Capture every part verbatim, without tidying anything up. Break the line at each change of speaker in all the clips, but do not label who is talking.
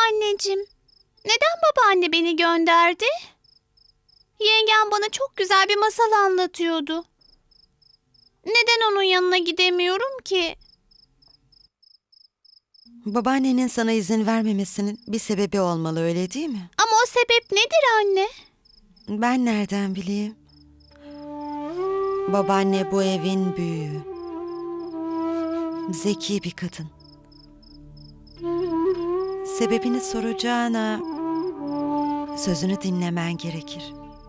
Anneciğim, neden babaanne beni gönderdi? Yengem bana çok güzel bir masal anlatıyordu. Neden onun yanına gidemiyorum ki?
Babaannenin sana izin vermemesinin bir sebebi olmalı, öyle değil mi?
Ama o sebep nedir anne?
Ben nereden bileyim? Babaanne bu evin büyüğü. Zeki bir kadın. Sebebini soracağına sözünü dinlemen gerekir.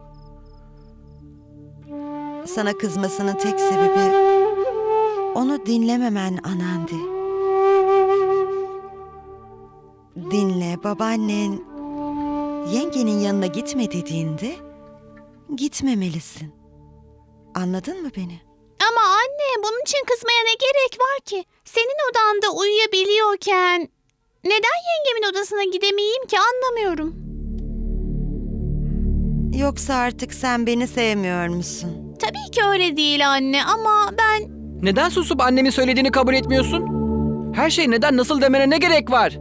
Sana kızmasının tek sebebi onu dinlememen Anandi. Dinle, babaannen yengenin yanına gitme dediğinde gitmemelisin. Anladın mı beni?
Ama anne, bunun için kızmaya ne gerek var ki? Senin odanda uyuyabiliyorken neden yengemin odasına gidemeyeyim ki, anlamıyorum.
Yoksa artık sen beni sevmiyor musun?
Tabii ki öyle değil anne, ama ben...
Neden susup annemin söylediğini kabul etmiyorsun? Her şey neden nasıl demene ne gerek var?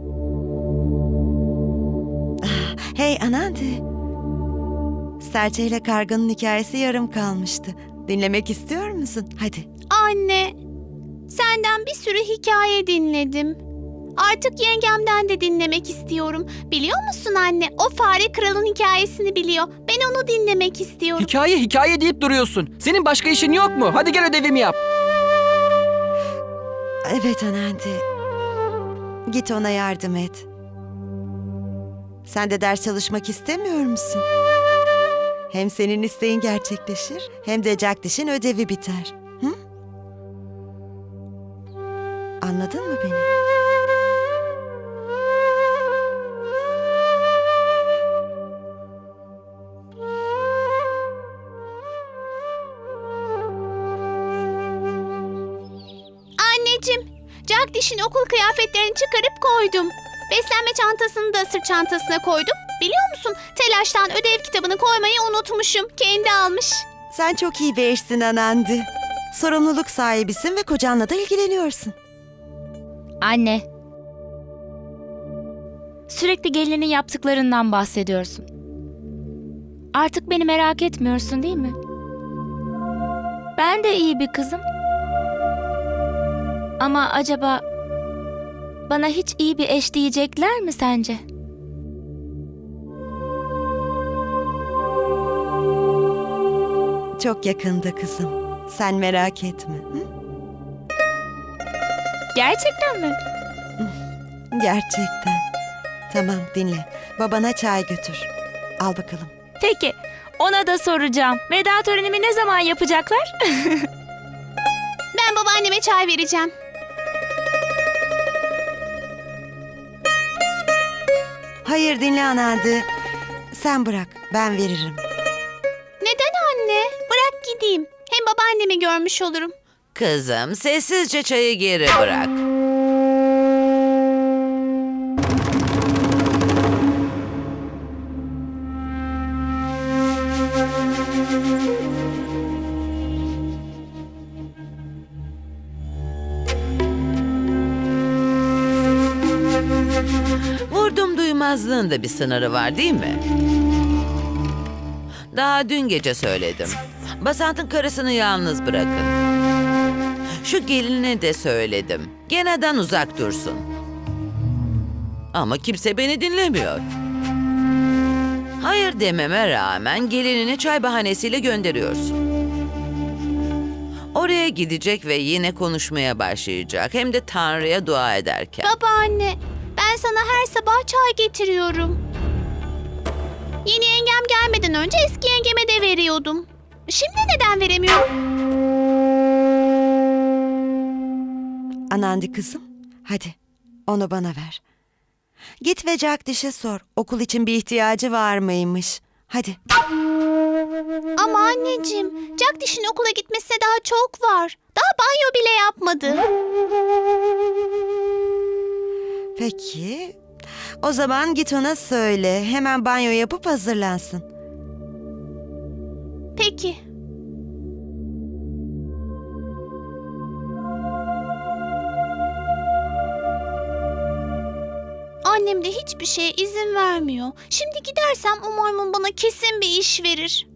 Hey Anandi. Serçe ile karganın hikayesi yarım kalmıştı. Dinlemek istiyor musun? Hadi.
Anne, senden bir sürü hikaye dinledim. Artık yengemden de dinlemek istiyorum. Biliyor musun anne, o fare kralın hikayesini biliyor. Ben onu dinlemek istiyorum.
Hikaye hikaye deyip duruyorsun. Senin başka işin yok mu? Hadi gel ödevimi yap.
Evet Anandi. Git ona yardım et. Sen de ders çalışmak istemiyor musun? Hem senin isteğin gerçekleşir, hem de Jagdish'in ödevi biter. Hı? Anladın mı beni?
Anneciğim, Jagdish'in okul kıyafetlerini çıkarıp koydum. Beslenme çantasını da sırt çantasına koydum. Biliyor musun, telaştan ödev kitabını koymayı unutmuşum. Kendi almış.
Sen çok iyi bir eşsin Anandi. Sorumluluk sahibisin ve kocanla da ilgileniyorsun.
Anne. Sürekli gelinin yaptıklarından bahsediyorsun. Artık beni merak etmiyorsun değil mi? Ben de iyi bir kızım. Ama acaba bana hiç iyi bir eş diyecekler mi sence?
Çok yakında kızım. Sen merak etme. Hı?
Gerçekten mi?
Gerçekten. Tamam, dinle. Babana çay götür. Al bakalım.
Peki, ona da soracağım. Veda törenimi ne zaman yapacaklar?
Ben babaanneme çay vereceğim.
Hayır, dinle Anandi. Sen bırak, ben veririm.
Neden anne? Bırak gideyim. Hem babaannemi görmüş olurum.
Kızım, sessizce çayı geri bırak. Vurdum duymazlığın da bir sınırı var değil mi? Daha dün gece söyledim. Basant'ın karısını yalnız bırakın. Şu geline de söyledim. Geneden uzak dursun. Ama kimse beni dinlemiyor. Hayır dememe rağmen gelinini çay bahanesiyle gönderiyorsun. Oraya gidecek ve yine konuşmaya başlayacak. Hem de Tanrı'ya dua ederken.
Babaanne, ben sana her sabah çay getiriyorum. Yeni yengem gelmeden önce eski yengeme de veriyordum. Şimdi neden veremiyorum?
Anandi kızım, hadi onu bana ver. Git ve Jagdish'e sor. Okul için bir ihtiyacı var mıymış? Hadi.
Ama anneciğim, Jagdish'in okula gitmesine daha çok var. Daha banyo bile yapmadı.
Peki. O zaman git ona söyle. Hemen banyo yapıp hazırlansın.
Peki. Annem de hiçbir şeye izin vermiyor. Şimdi gidersem o maymun bana kesin bir iş verir.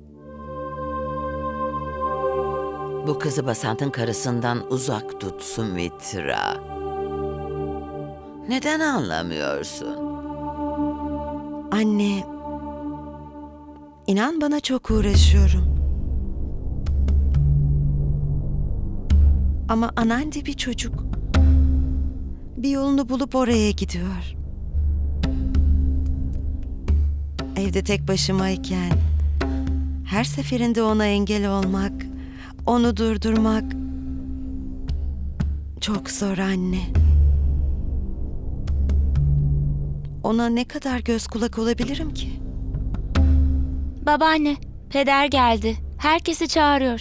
Bu kızı Basant'ın karısından uzak tut Sumitra. Neden anlamıyorsun?
Anne, inan bana çok uğraşıyorum. Ama Anandi bir çocuk. Bir yolunu bulup oraya gidiyor. Evde tek başımayken her seferinde ona engel olmak, onu durdurmak çok zor anne. Ona ne kadar göz kulak olabilirim ki?
Babaanne, peder geldi. Herkesi çağırıyor.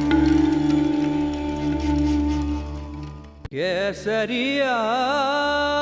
Kesariya